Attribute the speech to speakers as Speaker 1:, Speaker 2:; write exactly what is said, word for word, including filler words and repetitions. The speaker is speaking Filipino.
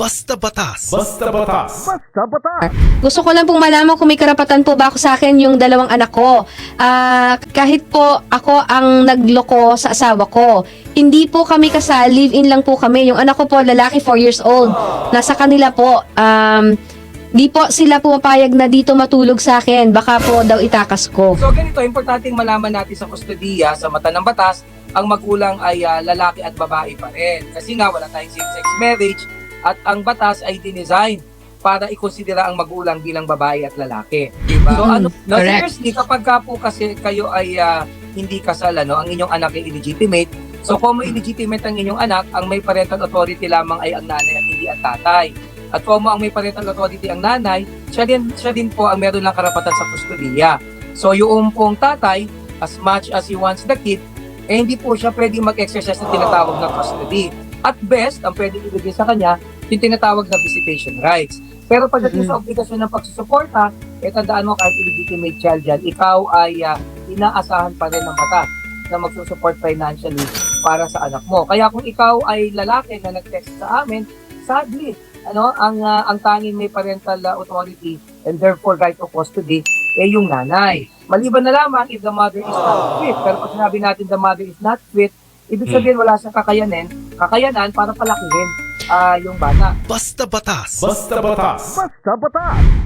Speaker 1: Basta batas. Basta batas. Basta batas.
Speaker 2: Gusto ko lang pong malaman kung may karapatan po ba ako sa akin yung dalawang anak ko. Ah, kahit po ako ang nagloko sa asawa ko. Hindi po kami kasal, live-in lang po kami. Yung anak ko po, lalaki, four years old. Nasa kanila po. Um, di po sila pumapayag na dito matulog sa akin. Baka po daw itakas ko.
Speaker 3: So ganito, importanteng malaman natin sa kustodiya, sa mata ng batas, ang magulang ay uh, lalaki at babae pa rin. Kasi nga wala tayong same-sex marriage at ang batas ay dinesign para ikonsidera ang magulang bilang babae at lalaki. Diba? So ano, no, seriously, kapag ka po kasi kayo ay uh, hindi kasal, ano, ang inyong anak ay illegitimate, so kung may illegitimate ang inyong anak, ang may parental authority lamang ay ang nanay at hindi ang tatay. At kung ang may parental authority ang nanay, siya din, siya din po ang meron ng karapatan sa kustodiya. So yung pong tatay, as much as he wants the kid, eh hindi po siya pwedeng mag-exercise ng tinatawag na custody. At best, ang pwedeng ibigay sa kanya, yung tinatawag na visitation rights. Pero pagdating mm-hmm. sa obligasyon ng pagsusuporta, eh tandaan mo kahit illegitimate child yan, ikaw ay uh, inaasahan pa rin ng batas na magsusupport financially para sa anak mo. Kaya kung ikaw ay lalaki na nag-text sa amin, sadly, ano, ang uh, ang tanging may parental uh, authority and therefore right of custody eh yung nanay. Maliban na lamang if the mother is not fit. Pero pag sinabi natin the mother is not fit, ibig sabihin wala siyang kakayanin, kakayanan para palakihin uh, yung bata.
Speaker 1: Basta batas. Basta batas. Basta batas.